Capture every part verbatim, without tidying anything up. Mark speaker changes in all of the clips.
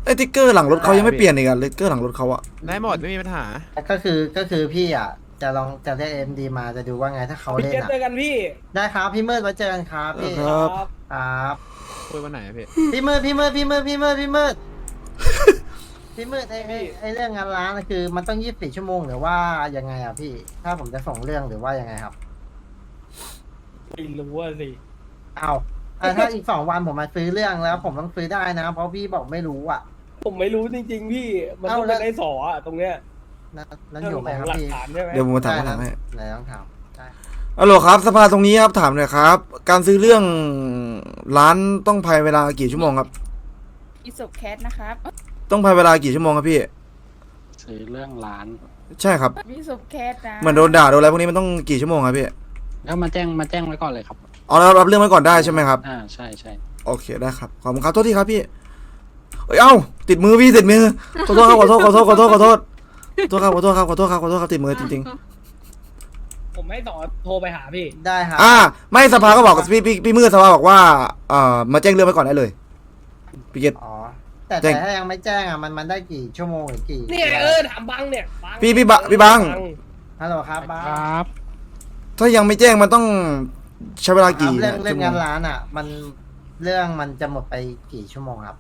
Speaker 1: ไอ้ติ๊กเกอร์หลังรถเขายังไม่เปลี่ยนอีกอะติ๊กเกอร์หลังรถเขาอะ
Speaker 2: ได้หมดไม่มีปัญหา
Speaker 3: ก็คือก็คือพี่อ่ะจะลองจะเรียกเอ็มดีมาจะดูว่าไงถ้าเขา
Speaker 4: พี่
Speaker 3: เล่น
Speaker 4: เจ
Speaker 3: อ่ะ
Speaker 4: เจอกันพี่
Speaker 3: ได้ครับพี่มืดไว้เจอกันครับพี่
Speaker 1: ครับ
Speaker 3: ครับ
Speaker 2: คุยวันไหนอะพี่
Speaker 3: พี่มืดพี่มืดพี่มืดพี่มืดพี่มืดพี่มืดไอ้ไอ้ไอ้เรื่องงานร้านน่ะคือมันต้องยี่สิบสี่ชั่วโมงหรือว่ายังไงอ่ะพี่ ถ้าผมจะส่งเรื่องหรือว่ายังไงครับ
Speaker 4: ไม่รู้ว่าสิ
Speaker 3: เอาอ่ะถ้าอีกสองวันผมมาซื้อเรื่องแล้ว ผมต้องซื้อได้นะ เพราะพี่บอกไม่รู้อ่ะ
Speaker 4: ผมไม่รู้จริง ๆ พี่ มันต้อง
Speaker 3: เอาแล้
Speaker 4: เป็
Speaker 3: วน
Speaker 4: ไอ้สออะตรงเนี้ย
Speaker 3: นั่นนั่นอยู่ไหมครับ
Speaker 4: หลัก
Speaker 3: พี่
Speaker 4: ฐานใช่ไหม
Speaker 1: เดี๋ยวผมมาถาม
Speaker 3: ได้
Speaker 1: คำถามให้
Speaker 3: ไหนต้องถามได้
Speaker 1: ฮัลโหลครับสภาตรงนี้ครับถามหน่อยครับ การซื้อเรื่องร้านต้องภายเวลากี่ชั่วโมงครับ
Speaker 5: อีสุกแคทนะครับ
Speaker 1: ต้องภายเวลากี่ชั่วโมงครับพี่
Speaker 6: ซื้อเรื่องร้าน
Speaker 1: ใช่ครับ
Speaker 5: มีสุกแคทนะ
Speaker 1: เหมือนโดนด่าโดนอะไรพวกนี้มันต้องกี่ชั่วโมงครับพี่
Speaker 6: แล้วมาแจ้งมาแจ้งไว้ก่อนเลยครับ
Speaker 1: เอาแล้วรับเรื่องไว้ก่อนได้ใช่ไหมครับ
Speaker 6: อ่าใช่ใช่
Speaker 1: โอเคได้ครับขอบคุณครับโทษทีครับพี่เอ้ยเอ้าติดมือพี่ติดมือขอโทษครับขอโทษขอโทษขอโทษขอโทษขอโทษครับขอโทษครับขอโทษครับขอโทษครับติดมือจริง
Speaker 4: ผมให้สอโทรไปหาพี่
Speaker 3: ได้ครับ
Speaker 1: ๆอ่าไม่สภาก็บอกพี่พี่พี่มือสภาบอกว่าเอ่อมาแจ้งเรื่องไว้ก่อนได้เลยพี่เกต
Speaker 3: อ๋อแต่
Speaker 1: แจ้
Speaker 3: แต่
Speaker 1: ง
Speaker 3: ถ้ายังไม่แจ้งอ่ะมันมันได้กี่ชั่วโมงหรือกี่
Speaker 4: เนี่ยเออถามบังเนี่ยบัง
Speaker 1: พี่พี่บะพี่บัง
Speaker 3: ฮัลโหลครับบ้า
Speaker 6: ครับ
Speaker 1: ถ้ายังไม่แจ้งมันต้องใช้เวลากี่
Speaker 3: เรื่องเรื่อ
Speaker 1: ชั่
Speaker 3: ง
Speaker 1: วโม
Speaker 3: งาง นร้านอ่ะ มันเรื่องมันจะหมดไปกี่ชั่วโมงครับ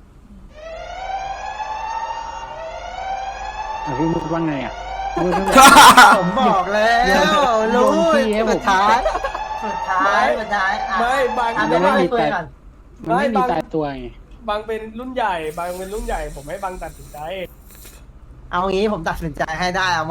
Speaker 6: อ่ะพี่มุกว่าไงอ่ะมุก
Speaker 3: ผมบอกแล้วรู้
Speaker 6: ลงที่ให้ผม
Speaker 3: สุดท้ายสุดท้ายสุดท้ายอ่ะ
Speaker 4: ไม่บัง
Speaker 3: อ่ะ
Speaker 6: ยั
Speaker 3: ไม่
Speaker 6: ง
Speaker 3: ได้
Speaker 6: ไม่มี
Speaker 3: คุย
Speaker 6: แต่
Speaker 3: ก่อน
Speaker 6: มันไม่มีตายตัวไง
Speaker 4: บังเป็นรุ่นใหญ่บังเป็นรุ่นใหญ่ ผมให้บังตัดสินใจ
Speaker 3: เอางี้ผมตัดสินใจให้ได้เอาไหม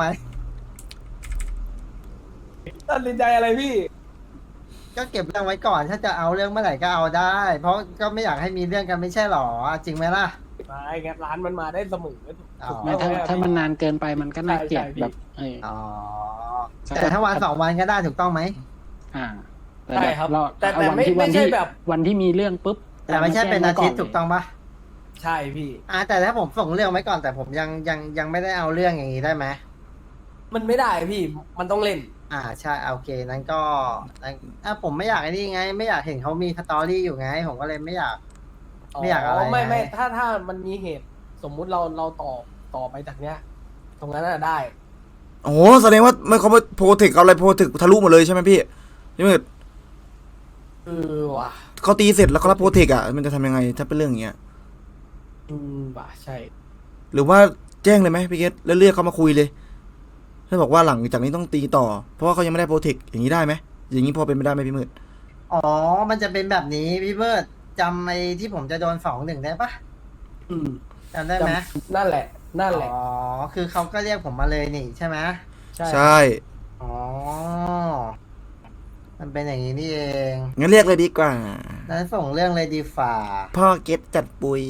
Speaker 4: ตัดสินใจอะไรพี่
Speaker 3: ก็เก็บเรื่องไว้ก่อน ถ้าจะเอาเรื่องเมื่อไหร่ก็เอาได้ เพราะก็ไม่อยากให้มีเรื่องกันไม่ใช่หรอจริงไหมล่ะ
Speaker 4: ไม่งั้นร้านมันมาได้เสมอ
Speaker 3: อ๋อ
Speaker 6: ไม่ถ้าถ้ามันนานเกินไปมันก็น่าเกลียด
Speaker 4: ใช่ใช่พี่
Speaker 6: แบบเออ
Speaker 3: อ๋อแต่ถ้าวันสองวันก็ได้ถูกต้องไหม
Speaker 6: อ่าแต่
Speaker 4: ใช่
Speaker 6: แบบ
Speaker 4: ครับ
Speaker 6: เรา
Speaker 4: แต่แต่
Speaker 6: เอาวัน
Speaker 4: ไม่
Speaker 6: ที่วั
Speaker 4: ไม่
Speaker 6: น
Speaker 4: ใช่
Speaker 6: ที่
Speaker 4: แบบ
Speaker 6: วันที่มีเรื่องปุ๊บ
Speaker 3: แต่ไม่ใช่เป็นอาทิตย์
Speaker 6: รม
Speaker 3: ถูกต้องปะ
Speaker 4: ใช่พี่
Speaker 3: อ่าแต่ถ้าผมส่งเรื่องไว้ก่อนแต่ผมยังยังยังไม่ได้เอาเรื่องอย่างนี้ได้ไหม
Speaker 4: มันไม่ได้พี่ มันต้องเล่น
Speaker 3: อ่าใช่โอเคนั้นก็นั้นอ่ะผมไม่อยากไอ้นี่ไง ไม่อยากเห็นเขามีสตอรี่อยู่ไง ผมก็เลยไม่อยาก ไม่อยากอะไร
Speaker 4: ไม่ไม่
Speaker 3: ไง
Speaker 4: ถ้าถ้ามันมีเหตุ สมมุติเราเราต่อต่อไปจากเนี้ย ตรงนั้นน่ะได้
Speaker 1: โอ้โหแสดงว่าไม่เขาโปรเทคเอาอะไรโปรเทคทะลุหมดเลยใช่ไหมพี่พี่มืด
Speaker 4: เออว่ะ
Speaker 1: เขาตีเสร็จแล้วเขารับโปรเทคอ่ะมันจะทำยังไงถ้าเป็นเรื่องอย่างเงี้ย
Speaker 4: อืมว่ะใช่
Speaker 1: หรือว่าแจ้งเลยไหมพี่เกตแล้วเรียกเขามาคุยเลยถ้าบอกว่าหลังจากนี้ต้องตีต่อ เพราะว่าเขายังไม่ได้โปรเทคอย่างนี้ได้ไหมอย่างนี้พอเป็นไปได้ไหมพี่มืด
Speaker 3: อ๋อ มันจะเป็นแบบนี้พี่เบิร์ดจำไอ้ที่ผมจะโดนสองหนึ่งได้ปะ
Speaker 4: อืม
Speaker 3: จำได้ไหม
Speaker 4: นั่นแหละ นั่นแหละ
Speaker 3: อ๋อ คือเขาก็เรียกผมมาเลยนี่ใช่ไหม
Speaker 4: ใช่
Speaker 1: ใช่
Speaker 3: อ๋อ มันเป็นอย่างนี้นี่เอง
Speaker 1: งั้นเรียกเลยดีกว่า
Speaker 3: นั้นส่งเรื่องเลยดีฝ่า
Speaker 1: พ่อเกตจัดปุย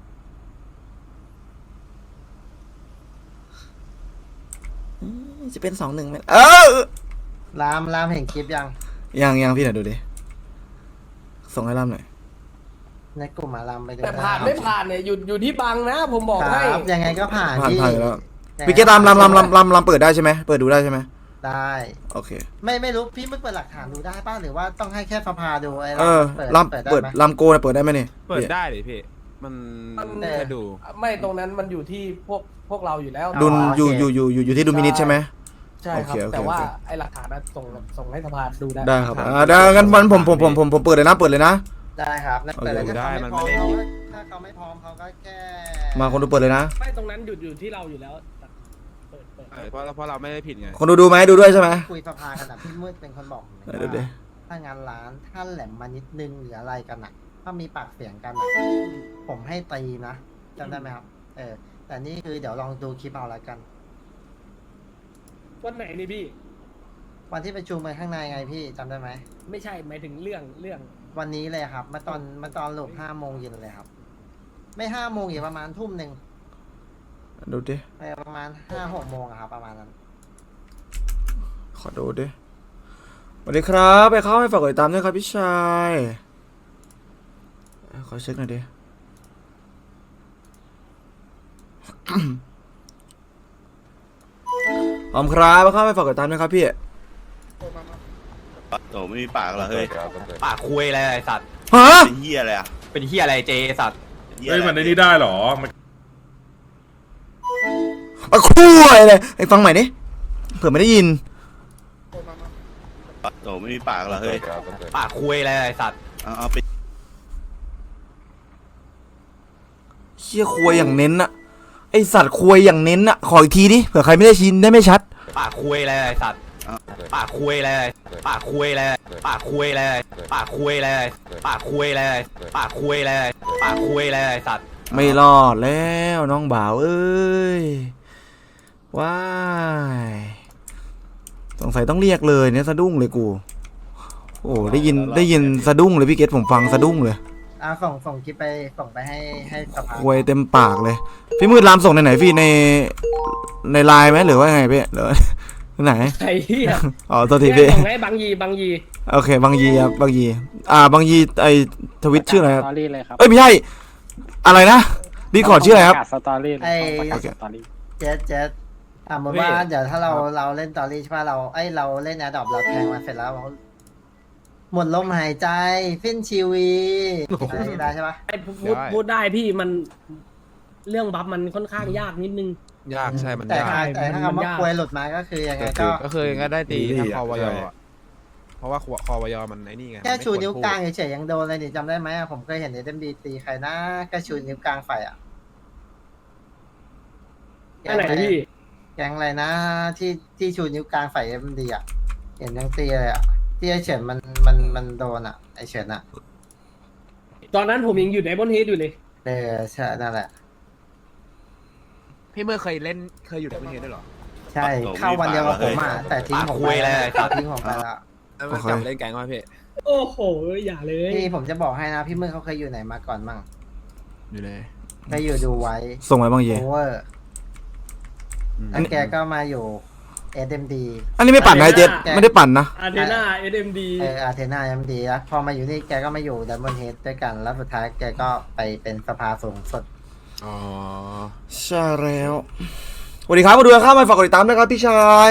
Speaker 1: อืมจะเป็นสองหนึ่งไหมเออ
Speaker 3: รามรามเห็นคลิปยัง
Speaker 1: ยังยังพี่หน่อยดูดิส่งให้ล่ำหน่อย
Speaker 3: ในกลุ่มอารามไปดู
Speaker 4: แต่ผ่านไม่ผ่านเนี่ยอยู่อยู่ที่บังนะ ผมบอก
Speaker 3: ค
Speaker 4: ให้
Speaker 3: รับยังไงก็ผ่าน
Speaker 1: ผ่าน
Speaker 3: พี่
Speaker 1: ผ่านแล้ว
Speaker 3: ยังไง
Speaker 1: พี่เกตลำลำลำลำลำลำเปิดได้ใช่ไหมเปิดดูได้ใช่ไหม
Speaker 3: ได้
Speaker 1: โอเค
Speaker 3: ไม่ไม่รู้พี่ไม่เปิดหลักฐานดูได้ป่ะหรือว่าต้องให้แค่สภาดูไอ้
Speaker 1: เออ
Speaker 3: เปิด
Speaker 1: ลำ
Speaker 3: เปิดได้
Speaker 1: เปิด
Speaker 3: ไหม
Speaker 1: ลำโกนะเปิดได้ไหมเนี่ย
Speaker 2: เปิดได้เลยพี่ มัน
Speaker 4: มัน
Speaker 2: แค่ดู
Speaker 4: ไม่ตรงนั้นมันอยู่ที่พวกพวกเราอยู่แล้ว
Speaker 1: ดุล
Speaker 3: อ๋อ
Speaker 1: อยู่
Speaker 3: โอเค
Speaker 1: อยู่อยู่อยู่อยู่ที่ดุลมินิตใช่ไหม
Speaker 4: ใช่ครับ
Speaker 1: โอเคโอเค
Speaker 4: แต่ว่า
Speaker 1: โอเค
Speaker 4: ไอ้หลักฐานน่ะส่งส่งให้สภาดูได้
Speaker 1: ได้ครับอ่าได้งั้นวันผมผมผมผมผมเปิดเลยนะเปิดเลยนะ
Speaker 3: ได้ครับแล้วแต่
Speaker 1: โอเค
Speaker 3: ถ้า
Speaker 2: ได้
Speaker 3: เขา
Speaker 2: มัน
Speaker 3: ไม่พ
Speaker 2: ไม่
Speaker 3: ร้อม
Speaker 2: ได้
Speaker 3: เขาก็ถ้าเขาไม่พร้อมเขาก็แค่
Speaker 1: มาคนดูเปิดเลยนะ
Speaker 4: ไม่ตรงนั้นอยู่อยู่ที่เราอยู่แล้วแต่เปิดเปิด
Speaker 2: เออเพราะเพราะเราไม่ได้ผิดไง
Speaker 1: คนดูดูไหมดูด้วยใช่ไหม
Speaker 3: คุยสภากันนะพี่มืดเป็นคนบอกผม
Speaker 1: เออเดี๋ยวเดี๋ยว
Speaker 3: ถ้างานร้านถ้าแหลมมานิดนึงหรืออะไรกันอ่ะ ถ้ามีปากเสียงกันอ่ะผมให้ตีนะจำได้ไหมครับ เออ แต่นี่คือเดี๋ยวลองดูคลิปเอาละกัน
Speaker 4: วันไหนนี่พี่
Speaker 3: วันที่ประชุมไปข้างในไงพี่จำได้ไหม
Speaker 4: ไม่ใช่หมายถึงเรื่องเรื่อง
Speaker 3: วันนี้เลยครับมาตอนมาตอนหลบห้าโมงเย็นเลยครับ ไม่ห้าโมงอีกประมาณทุ่มหนึ่ง
Speaker 1: ดูดิ
Speaker 3: ไปประมาณห้าหกโมงอะครับประมาณนั้น
Speaker 1: ขอดูดิสวัสดีครับไปเข้าให้ฝากกดติดตามด้วยครับพี่ชายขอเช็คหน่อยดิ ขอบคุณครับไปเข้าให้ฝากกดติดตามด้วยครับพี่
Speaker 7: โอ้ไม่มีปากเหรอเฮ้ย
Speaker 8: ปากคุยอะไรไอ้สัตว์
Speaker 1: ฮะ
Speaker 7: เป็นเหี้ยอะไรอ่ะ
Speaker 8: เป็นเฮียอะไรเจสัตว์
Speaker 7: เเฮ้ยมันในนี้ได้เหรอมัน
Speaker 1: อะคุยเลยไอ้ฟังใหม่ดิเผื่อไม่ได้ยิน
Speaker 8: โตไม่มีปากเหรอเฮ้ย
Speaker 2: ปากคุยอะไรไอ้สัตว์
Speaker 8: เอาเอาไป
Speaker 1: เชี่ยคุยอย่างเน้นอะไอสัตว์คุยอย่างเน้นอะขออีกทีดิเผื่อใครไม่ได้ชินได้ไม่ชัด
Speaker 2: ปากคุยอะไรไอ้สัตว์ปากคุยอะไรปากคุยอะไรปากคุยอะไรปากคุยอะไรปากคุยอะไรปากคุยอะไรปากคุยอะไรไอ้สัตว์
Speaker 1: ไม่รอดแล้วน้องบ่าวเอ้ยว้ายสงสัยต้องเรียกเลยเนี่ยสะดุ้งเลยกูโอ้ได้ยินได้ยินสะดุ้งเลยพี่เกตผมฟังสะดุ้งเลย
Speaker 3: อ่าส่งส่งคลิปไปส่งไปให้ให้สภา
Speaker 1: คุยเต็มปากเลยพี่มืดรามส่งในไหนพี่ในในไลน์ไหมหรือว่าไงพี่หรือไหน
Speaker 4: ไอ้เหี้ย
Speaker 1: อ๋อตัวทีพี่
Speaker 4: ส่งให้บางยีบางยี
Speaker 1: โอเคบางยีครับบางยีอ่าบางยีไอทวิตชื่ออะไรครับ
Speaker 6: สตอรี่เลยครับ
Speaker 1: เอ้ยไม่ใช่อะไรนะดีคอร์ดชื่ออะไรครับ
Speaker 6: ปะกาศสตอรี่เลยต้องประกาศสตอรี่
Speaker 3: เจ็ดเจ็ดอ่าเหมือนว่าเดี๋ยวถ้าเราเราเล่นตอรี่ใช่ป่ะเราไอยเราเล่นแอดดอปเราแทงมาเสร็จแล้วเราหมดลมหายใจฟินชีวีอะไรได้ใช่ป่ะ
Speaker 4: ไอ้พูดพูดได้พี่มันเรื่องบัฟมันค่อนข้างยากนิดนึง
Speaker 2: ยากใช่มัน
Speaker 3: แต่
Speaker 2: ยาก
Speaker 3: ถ้าแต่ถ้า
Speaker 4: มัน
Speaker 3: คำว่าย
Speaker 4: าก
Speaker 3: ควยหลุดมาก็คือยังไงก็
Speaker 2: ก็คือก็ได้ตีทางคอวยอะเพราะว่าคอวยมันไอ้นี่ไง
Speaker 3: แค่ชูนิ้วกลางเฉยๆยังโดนเลยนี่จำได้ไหมอะผมเคยเห็นเอ็มดีตีใครนะแค่ชูนิ้วกลางไฟอ่ะ
Speaker 4: อันไหนพี่
Speaker 3: แกงอะไรนะที่ที่ชูนิ้วกลางไฟเอ็มดีอ่ะเห็นยังตีเลยอ่ะที่ไอเฉินมันมันมันโดนอ่ะไอเฉินอ่ะ
Speaker 4: ตอนนั้นผมยังอยู่ในบนเฮดอยู่เลย
Speaker 3: เออใช่นั่นแหละ
Speaker 2: พี่เมื่อเคยเล่นเคยอยู่ในประเทศด้วยหรอ
Speaker 3: ใช่เข้าวันเดียวกับผมอ่ะแต่ทิ้งผมไปแล้วแต่ทิ้งผมไปแล้ว
Speaker 2: แล้วมันกลับมาเล่นแกงว่าพี่
Speaker 4: โอ้โหอย่าเลย
Speaker 3: พี่ผมจะบอกให้นะพี่มือเขาเคยอยู่ไหนมาก่อนมั่ง
Speaker 2: อยู่เลย
Speaker 3: เคยอยู่ดูไว้
Speaker 1: ส่งไปบางยี
Speaker 3: โอเวอร์แล้วแกก็มาอยู่เอ็มดี
Speaker 1: อันนี้ไม่ปั่นนะไอ้เจ็ดไม่ได้ปั่นนะ
Speaker 4: อาร์เทน่าเอ็มดี
Speaker 3: เอออาร์เทนาเอ็มดีแล้วพอมาอยู่นี่แกก็มาอยู่ดับเบิลเฮดด้วยกันแล้วสุดท้ายแกก็ไปเป็นสภาสูงสุด
Speaker 2: อ๋อ
Speaker 1: ใช่แล้วสวัสดีครับมาดูกันข้ามไปฝากกดติดตามด้วยครับพี่ชาย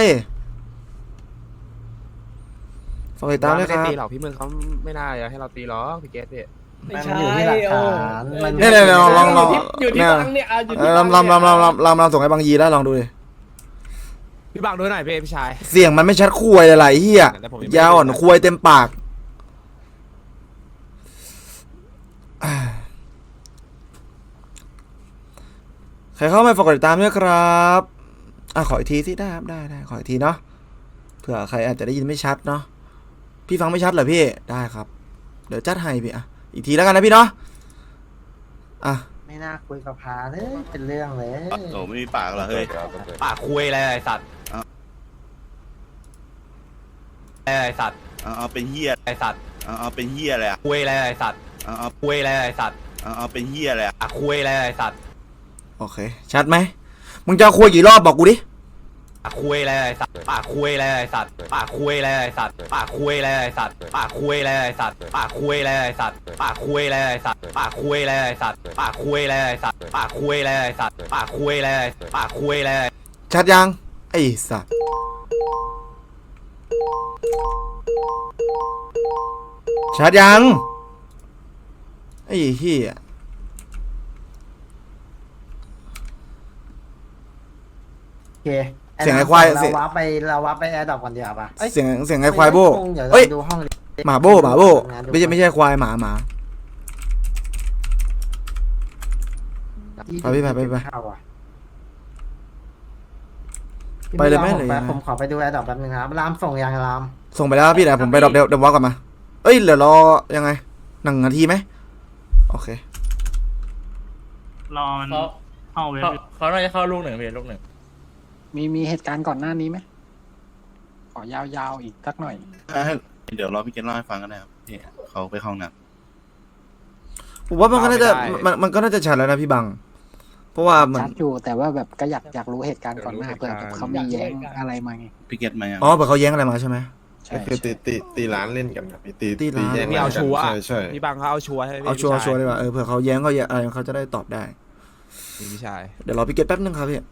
Speaker 1: ฝากกดติดตามด้วยค
Speaker 2: ไม่
Speaker 1: รับ
Speaker 2: ตีหรอกพี่เมื่อเขาไม่น่าจะให้เราตีหรอกพี่เกสพี่
Speaker 4: ไม่
Speaker 3: มัน
Speaker 4: ใช่
Speaker 3: อยู่ที่หลักฐาน
Speaker 4: โอ้
Speaker 3: มัน
Speaker 1: เนี่ยเนี่ยลองลอง
Speaker 4: อยู่ที่
Speaker 1: เนี่ย
Speaker 4: บังเนี่ยเอาอยู่
Speaker 1: เอ
Speaker 4: ที่
Speaker 1: อ
Speaker 4: บัง
Speaker 1: ลำลำลำลำลำลำลำส่งให้บางยีแล้วลองดูดิ
Speaker 2: พี่บังดูหน่อยพี่พี่ชาย
Speaker 1: เสียงมันไม่ชัดคุยอะไรเฮีย
Speaker 2: แต่ผมยังไม่
Speaker 1: ยาวอ่อนคุยเต็มปากอ่าใครเข้ามาฝากกดติดตามด้วยครับอ่ะขออีกทีสิได้ครับได้ได้ขออีกทีเนาะเผื่อใครอาจจะได้ยินไม่ชัดเนาะพี่ฟังไม่ชัดเหรอพี่ได้ครับ เดี๋ยวจัดให้พี่อ่ะอีกทีแล้วกันนะพี่เนาะอ่ะ
Speaker 3: ไม่น่าคุยกับพาเลยเป็นเรื่องเลย
Speaker 8: โตไม่มีปากเหรอเฮ้ย
Speaker 2: ปากคุยอะไรไอ้สัตว์ไอ้สัตว์
Speaker 8: เอาเอาเป็นเฮีย
Speaker 2: ไอ้สัตว์
Speaker 8: เอาเอาเป็นเฮียอะไรอ่ะ
Speaker 2: คุยอะไรไอ้สัตว์
Speaker 8: เอาเอา
Speaker 2: คุยอะไรไอ้สัตว์
Speaker 8: เอาเอาเป็นเฮียอะไรอ่ะ
Speaker 2: ปากคุยอะไรไอ้สัตว์
Speaker 1: โอเคชัดไหมมึงจะคุยกี่รอบบอกกูดิ
Speaker 2: ปากคุยอะไรไอ้สัตว์ปากคุยอะไรไอ้สัตว์ปากคุยอะไรไอ้สัตว์ปากคุยอะไรไอ้สัตว์ปากคุยอะไรไอ้สัตว์ปากคุยอะไรไอ้สัตว์ปากคุยอะไรไอ้สัตว์ปากคุยอะไรไอ้สัตว์ปากคุยอะไรไอ้สัตว์ปากคุยอะไรไอ้สัตว์ปากคุยอะไรปากคุยอะไร
Speaker 1: ชัดยังไอ้สัสชัดยังไอ้เหี้ย
Speaker 3: โอเค
Speaker 1: เสียงไอ้ควาย
Speaker 3: เรา
Speaker 1: เสียง
Speaker 3: วับไปเราวับไปแอร์ดรอปกันเดียวาป่ะอ้
Speaker 1: เสียงเสียงไอ้ควายโบ้
Speaker 3: เดี๋ยว
Speaker 1: เอ้ย
Speaker 3: เราดูห้อง
Speaker 1: หมาโบ้หมาโบ้ไม่ใช่ไม่ใช่ควายหมาหมา ไปพี่ไปไปไป
Speaker 3: เข้าอะ
Speaker 1: ไปเลยไหม
Speaker 3: ผ
Speaker 1: หรือยังไง
Speaker 3: ผมขอไปดูแอร์ดรอปแป๊บนึงครับรามส่งยังราม
Speaker 1: ส่งไปแล้วพี่เดี๋ยวผมไปดรอปเดี๋ยวเดี๋ยววอลกลับมาเอ้ยเดี๋ยวรอยังไงหนึ่งนาทีไหมโอเค
Speaker 9: รอมัน
Speaker 6: เขา
Speaker 9: เข้าเว็บ
Speaker 6: เขาเขาน่าจะเข้าลูกหนึ่งเพียลูกหนึ่งมีมีเหตุการณ์ก่อนหน้านี้ไหมขอยาวๆอีกสักหน่อย
Speaker 8: เดี๋ยวรอพี่เกณฑ์เล่าให้ฟังกันนะครับพี่เขาไปเข้าห้องน้
Speaker 1: ผมว่ามันก็น่าจะมันมันก็น่าจะชัดแล้วนะพี่บัง เพราะว่าเหมือน
Speaker 6: ชัดอยู่แต่ว่าแบบก็อยากอยากรู้เหตุการณ์ก่อนหน้าเผื่อแบบเขามีแย้งอะไรมาไง
Speaker 8: ำพี่เกณฑ์มายัง
Speaker 1: อ๋อเผื่อเขาแย้งอะไรมาใช่ไหม
Speaker 6: ใช่
Speaker 10: คือตี
Speaker 6: ใช่
Speaker 10: ตีตีร้านเล่นกันครับตี
Speaker 1: ตีร้าน
Speaker 10: แย่ง
Speaker 2: นี่เอาชัวร์
Speaker 10: ใช่ใช่
Speaker 2: พี่บังเขาเอาชัวร์ให้พี่
Speaker 1: เอาชัวร์
Speaker 2: พี่ชย
Speaker 1: ชัวร์ดีกว่าเออเผื่อเขาแย้งเขาแย้งอะไรเขาจะได้ตอบได้
Speaker 2: พี่ชาย
Speaker 1: เดี๋ยวรอพี่เกตแป๊บนึงครับพี่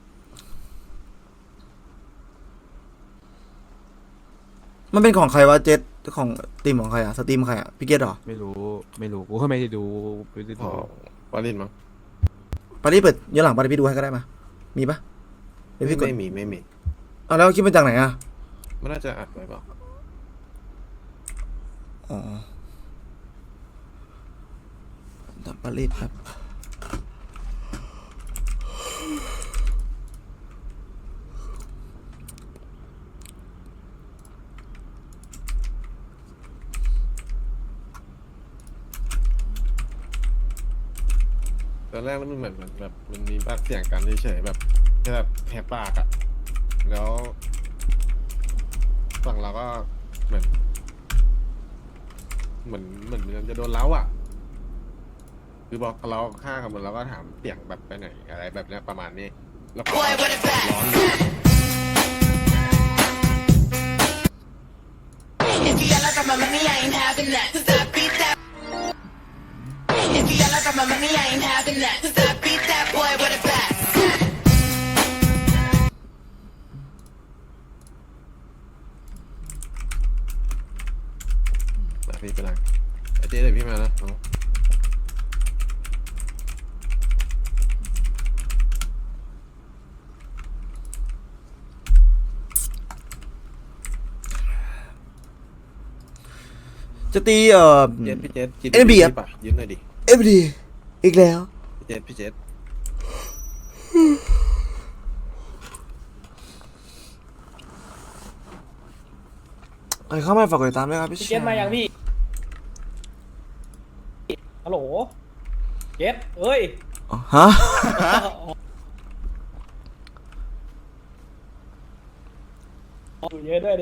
Speaker 1: มันเป็นของใครวะเจ็ตของทีมของใครอะสตรีมใครอะพี่เกตหรอ
Speaker 2: ไม่รู้ไม่รู้กูก็ไม่ได้ดูไม่ได้
Speaker 10: อ๋
Speaker 2: ดู
Speaker 10: อ
Speaker 7: ปาลินมั้ง
Speaker 1: ปารีสเปิดย้อนหลังปารีสพี่ดูให้ก็ได้มามีปะเดี๋ยวพี่กด
Speaker 7: ไม่มีไม่มี
Speaker 1: อ่ะแล้วคลิปมาจากไหนอ่ะ
Speaker 7: มันน่าจะอัดไว้เปล่า
Speaker 1: อ๋อดับปารีสครับ
Speaker 7: ตอนแรกแล้วมันเหมือนแบบมันมีปากเสียงกันเฉยๆแบบแค่แบบแหบปากอะแล้วฝั่งเราก็เหมือน เหมือนเหมือนมันจะโดนเล้าอ่ะ คือบอกเราฆ่ากันหมดเราก็ถามเสียงแบบไปไหนอะไรแบบเนี้ยประมาณนี้ แล้วก็ร้อนอยู่
Speaker 10: If you yell out my money, I ain't having that. Cause I beat that. If you yell out my money, I ain't having that. Cause I beat that boy with a bat.
Speaker 7: มาพี่ไปนั่งไอเจ๊เดี๋ยวพี่มานะเอา
Speaker 1: จะตีเอ่อ
Speaker 7: เจ๊พี่เจ๊กิน
Speaker 1: เอ็มบีครับ
Speaker 7: ปะยืมหน่อยดิ
Speaker 1: เอฟดีอีกแล้ว
Speaker 7: พี่เจ๊พี่เจ๊
Speaker 1: ใครเข้ามาฝากกดติดตามด้วยครับพี่
Speaker 4: พี่เกตมายังพี่ฮัลโหลเกตเอ้ย
Speaker 1: อ๋อฮะ
Speaker 4: อยู่เยอะด้วยดิ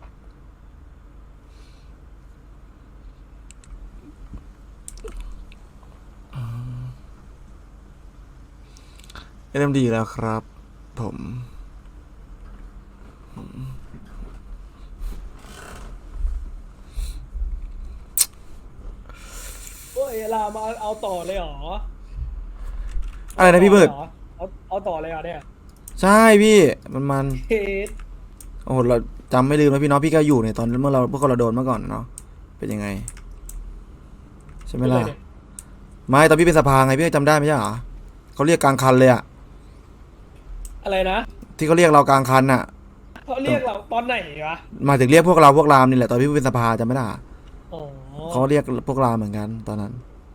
Speaker 1: เอ็มดีแล้วครับ ผม
Speaker 4: เฮ้ยลามาเอาต่อเลยเหรอ
Speaker 1: อะไรนะพี่เบิร์ด
Speaker 4: เอาเอาต่อเลยเหรอเนี่ย
Speaker 1: ใช่พี่มันมัน
Speaker 4: เกต
Speaker 1: โอ้โหเราจำไม่ลืมนะพี่เน้องพี่ก็อยู่ในตอนเมื่อเราพวกเราโดนเมื่อก่อนเนาะเป็นยังไงใช่ไหมล่ะไม่ตอนพี่เป็นสภาไงพี่จำได้ไหมใช่เหรอเขาเรียกกลางคันเลยอะ
Speaker 4: อะไรนะ
Speaker 1: ที่เขาเรียกเรากลางคันอะ
Speaker 4: เขาเรียกเราตอนไหนวะ
Speaker 1: หมายถึงเรียกพวกเราพวกรามนี่แหละตอนพี่เป็นสภาจำไม่ได้อะ
Speaker 4: อ๋อ
Speaker 1: เขาเรียกพวกรามเหมือนกันตอนนั้น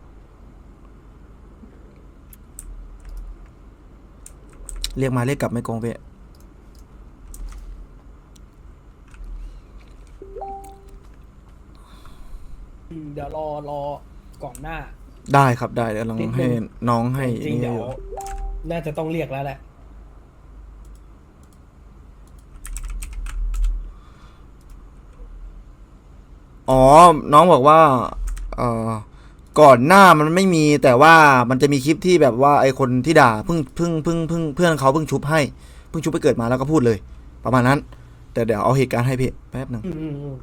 Speaker 1: เรียกมาเรียกกลับไม่โกงพี่
Speaker 4: อืมเดี๋ยวรอรอก่อนหน้า
Speaker 1: ได้ครับได้เดี๋ยวลอง
Speaker 4: นิดนึง
Speaker 1: ให้น้องให้
Speaker 4: จริงๆ
Speaker 1: นี่
Speaker 4: เดี๋ยว
Speaker 1: อยู่
Speaker 4: น่าจะต้องเรียกแล้วแหละ
Speaker 1: อ๋อน้องบอกว่าเอ่อก่อนหน้ามันไม่มีแต่ว่ามันจะมีคลิปที่แบบว่าไอคนที่ด่าเพิ่งเพิ่งเพิ่งเพิ่งเพื่อนเขาเพิ่งชุบให้เพิ่งชุบไปเกิดมาแล้วก็พูดเลย ประมาณนั้น แต่เดี๋ยวเอาเหตุการณ์ให้พี่แป๊บหนึ่ง
Speaker 4: อืมอืมอืม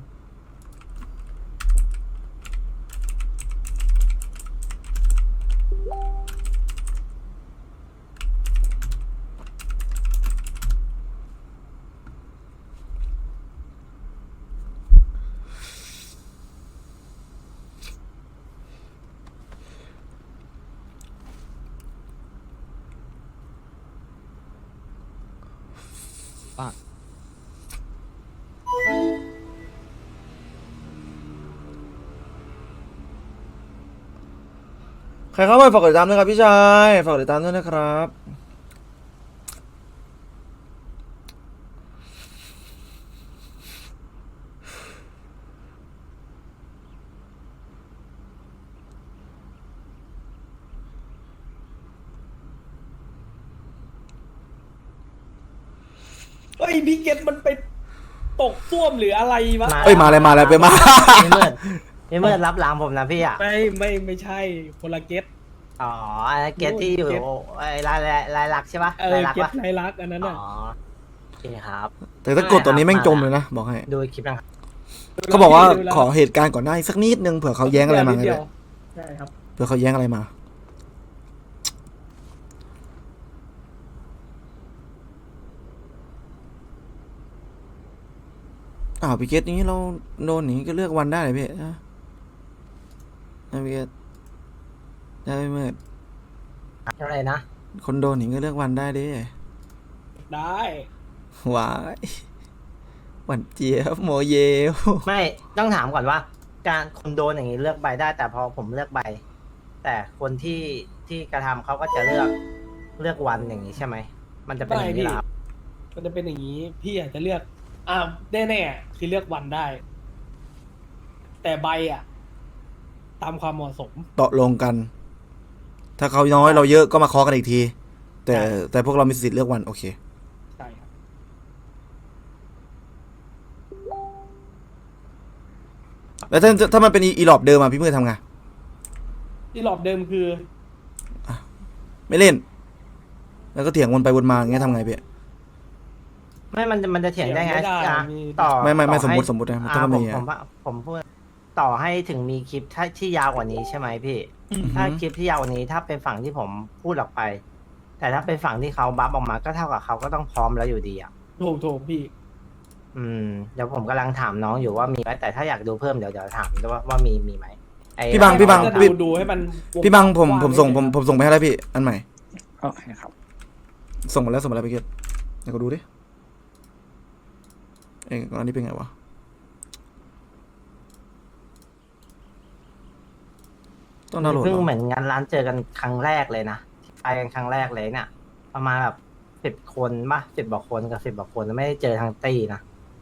Speaker 1: ใครเข้ามาฝากกดติดตามด้วยครับพี่ชายฝากกดติดตามด้วยนะครับ
Speaker 4: เฮ้ยพี่เกตมันไปตกส้วมหรืออะไรวะ
Speaker 1: เอ้ยมาเลยมาเลยไปมา
Speaker 3: พี่มืดพี่มืดรับหลังผมนะพี่อ่ะ
Speaker 4: ไม่ไม่ไม่ใช่คนละเกต
Speaker 3: อ๋อไอ้เกตที่อยู่
Speaker 4: เกต
Speaker 3: ไอ้ลายลายลายลักษณ์ใช่ปะ
Speaker 4: เออ
Speaker 3: ลายลักษ
Speaker 4: เก
Speaker 3: ณ์
Speaker 4: ต
Speaker 3: ปะ
Speaker 4: ไรลักษณ์อันนั้น
Speaker 3: อ๋
Speaker 4: อ่ะ
Speaker 3: อโอเคครับ
Speaker 1: แต่ถ้ากดตัวนี้แม่งจมเลยนะบอกให้
Speaker 3: ดูคลิปนะครับ
Speaker 1: เขาบอกว่าขอเหตุการณ์ก่อนหน้าอีกสักนิดนึงเผื่อเขาแย้งอะไรมาไง
Speaker 4: เดี
Speaker 1: เลย
Speaker 4: วย ใช่ครับ
Speaker 1: เผื่อเขาแย้งอะไรมาอ้าวพี่เกตนี้เราโดนอย่างนี้ก็เลือกวันได้เลยพี่นะนะพี่เกตได้ไม่เมื่อ
Speaker 3: อะไรนะ
Speaker 1: คนโดนหนิงก็เลือกวันได้ดิ
Speaker 4: ได้
Speaker 1: หวายหวานเจี๊ยบโมเยล
Speaker 3: ไม่ต้องถามก่อนว่า การคนโดนอย่างนี้เลือกใบได้ แต่พอผมเลือกใบ แต่คนที่ที่กระทำเขาก็จะเลือกเลือกวันอย่างนี้ใช่ไหมมันจะเป็นอย่างนี้เหรอครับ
Speaker 4: มันจะเป็นอย่างนี้ พี่อาจจะเลือก อ่าแน่ๆคือเลือกวันได้ แต่ใบอ่ะ ตามความเหมาะสม
Speaker 1: ตกลงกัน ถ้าเขาน้อยเราเยอะก็มาเคาะกันอีกที แต่แต่พวกเรามีสิทธิ์เลือกวันโอเค
Speaker 4: ใช่ครับ
Speaker 1: แล้วถ้าถ้ามันเป็นอีหลอบเดิมอะพี่มือทำไง
Speaker 4: ที่รอบเดิมคือ
Speaker 1: ไม่เล่น แล้วก็เถียงวนไปวนมาอย่างเงี้ยทำไงพี่
Speaker 3: ไม่มันจะมันจะเถียงได้ไง
Speaker 4: เถียงไม่ได้
Speaker 3: อ่ะ
Speaker 4: มี
Speaker 3: ต่อ
Speaker 1: ไม่ไม่ไม่
Speaker 3: ต่อ
Speaker 1: สมมุติ
Speaker 3: ให้
Speaker 1: สมมุตินะมัน
Speaker 3: อ่า
Speaker 1: ต้อง
Speaker 3: ผ
Speaker 1: มี
Speaker 3: ม
Speaker 1: อะ
Speaker 3: ผมว่าผมพูดต่อให้ถึงมีคลิปถ้าที่ยาวกว่านี้ใช่ไหมพี่ ถ้าคลิปที่ยาวกว่านี้ถ้าเป็นฝั่งที่ผมพูดออกไป แต่ถ้าเป็นฝั่งที่เขาบัฟออกมาก็เท่ากับเขาก็ต้องพร้อมแล้วอยู่ดีอ่ะ
Speaker 4: ถูกถูกพี่
Speaker 3: อืมเดี๋ยวผมกำลังถามน้องอยู่ว่ามีไหมแต่ถ้าอยากดูเพิ่มเดี๋ยวเดี๋ยวถามว่าว่ามีมีไหมไอ้
Speaker 1: พี่บังพี่บัง
Speaker 4: จะ
Speaker 1: พี่
Speaker 4: ดูดูให้มันว
Speaker 1: พี่บังผม
Speaker 4: กว้า
Speaker 1: ผมส่งผม
Speaker 4: ไได้
Speaker 1: ผมส่งไปให้แล้วพี่ อันใหม่
Speaker 6: โอเคครับ
Speaker 1: ส่งมาแล้วส่งมาแล้วพี่เกดเดี๋ยวก็ดูดิ เอ้ยอันนี้เป็นไงวะ ต้องดาวน์โหลด
Speaker 3: เพิ่ง
Speaker 1: เหรอ
Speaker 3: เหมือนงานร้านเจอกันครั้งแรกเลยนะที่ไปกันครั้งแรกเลยเนี่ย ประมาณแบบสิบคนป่ะสิบกว่าคนกับสิบกว่าคนไม่ได้เจอทางตีนะ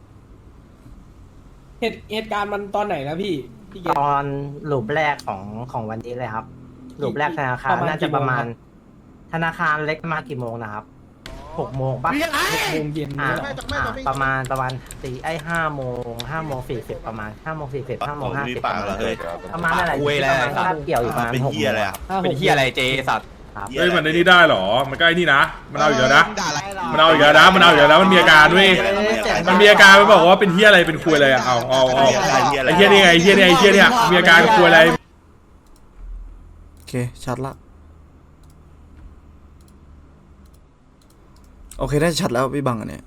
Speaker 4: เหตุเหตุการณ์มันตอนไหนนะพี่ พี่เก
Speaker 3: ต
Speaker 4: ศ
Speaker 3: อนลูปแรกของของวันนี้เลยครับลูปแรกธนาคาร
Speaker 4: ประมาณ
Speaker 3: น่าจะประมาณ
Speaker 4: กี่โมงค
Speaker 3: ธนาคารเล็กมากี่โมงนะครับหกโมงป่ะ
Speaker 4: หกโมงเย็น
Speaker 3: อ่า
Speaker 4: เนี่ยเหรอ
Speaker 3: อ่าประมาณประมาณตีไอ้ห้าโมงห้าโมงสี่สิบประมาณห้าโมงสี่สิบห้าโมงห้าสิบประมาณประมาณอะไร
Speaker 2: คุยอะไร
Speaker 3: ประมาณคาบเกี่ยวอยู่ประมาณ
Speaker 8: เป็น
Speaker 3: หก
Speaker 8: เฮียอะไรอะ
Speaker 4: ห้าห
Speaker 2: เป็น
Speaker 4: ก
Speaker 2: เฮียอะไรเจสัตว์
Speaker 3: ครับ
Speaker 8: เหี้ย
Speaker 11: เฮ้ย
Speaker 8: อะไร
Speaker 11: มันในนี่ได้เหรอ มันก็ไอ้นี่นะ มันเอาอีกแล้วนะ มันเอาอีกแล้วนะ มันเอาอีกแล้วนะ มันมีอาการด้วย มันมีอาการมันบอกว่าเป็นเฮียอะไร เป็นคุยอะไรอะเอาเอาเอา
Speaker 8: เหี้ยอะไร
Speaker 11: ไอ้เฮียนี่ไงไอ้เฮียนี่ไอ้เฮียเนี่ยมีอาการคุยอะไร
Speaker 1: โอเค ชัดละ โอเคได้ชัดแล้วพี่บังอันเนี้ย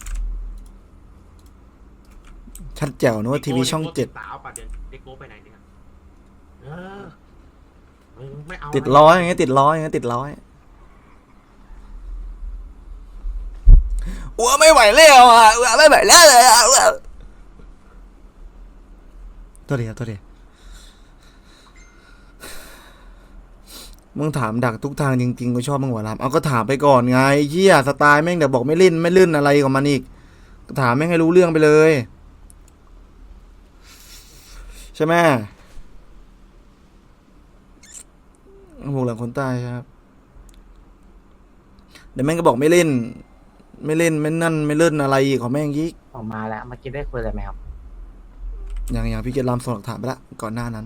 Speaker 1: ชัดแจ๋วนึกว่าทีวีช่องเจ็ดติดร้อยอย่างเงี้ยติดร้อยอย่างเงี้ยติดร้อยอ้วไม่ไหวแล้วอ่ะอ้วไม่ไหวแล้วเลยอ่ะอ้วตัวเดียวตัวเดียวมึงถามดักทุกทางจริงๆกูชอบมึงหัวลำเอาก็ถามไปก่อนไงเหี้ยสไตล์แม่งเดี๋ยวบอกไม่เล่นไม่เล่นอะไรของมันอีกก็ถามแม่งให้รู้เรื่องไปเลยใช่ไหมหูหลังคนใต้ครับเดี๋ยวแม่งก็บอกไม่เล่น ไม่เล่นไม่นั่นไม่เล่นอะไรอีกของแม่งยิก
Speaker 3: ออกมาแล้วเมื่อกี้ได้คุยอะไรไหมครับ
Speaker 1: อย่างอย่างพี่เกดลำส่งหลักฐานไปละก่อนหน้านั้น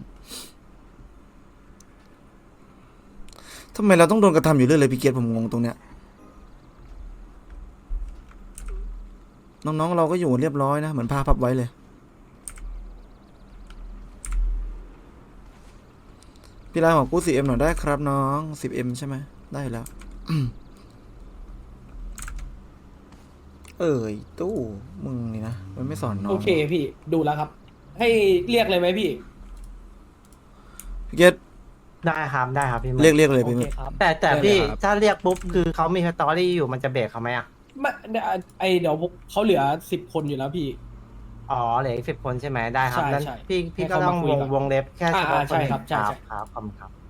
Speaker 1: ทำไมเราต้องโดนกระทำอยู่เรื่อยเลยพี่เกดผมงงตรงเนี้ยน้องๆเราก็อยู่เรียบร้อยนะเหมือนผ้าพับไว้เลยพี่ลายของกู สิบเอ็ม หน่อยได้ครับน้อง สิบเอ็ม ใช่ไหมได้แล้ว เอ้ยตู้มึงนี่นะมันไม่สอนน้อง
Speaker 4: โอเคพี่ดูแล้วครับ ให้เรียกเลยไหมพี่
Speaker 1: พี่เกด
Speaker 3: ได้ครับได้ครับพี่
Speaker 1: เรียกเรียกเลย
Speaker 4: โอ
Speaker 1: พี่
Speaker 4: เคครับ
Speaker 3: แต่แต่
Speaker 4: ได้เลย
Speaker 3: พี่
Speaker 4: ครับ
Speaker 3: ถ้าเรียกปุ๊บคือเขามีสตอรี่อยู่มันจะเบรกเขาไหมอ่ะ
Speaker 4: ไม่ไอเดี๋ยวเขาเหลือสิบคนอยู่แล้วพี่
Speaker 3: อ๋อเหลืออีกสิบคนใช่ไหมได้ครับ
Speaker 4: ใช่
Speaker 3: นั้น
Speaker 4: ใช่
Speaker 3: พี่พี่
Speaker 4: ให้
Speaker 3: ก็
Speaker 4: เขา
Speaker 3: ต้อง
Speaker 4: มาคุ
Speaker 3: ว
Speaker 4: ย
Speaker 3: ง
Speaker 4: ก่อน
Speaker 3: วงเล็บแค่เฉพาะ
Speaker 4: อ่า
Speaker 3: คน
Speaker 4: ใช่ครับใช่
Speaker 3: ครับ
Speaker 4: ใช่
Speaker 3: ครับขอบคุณครับ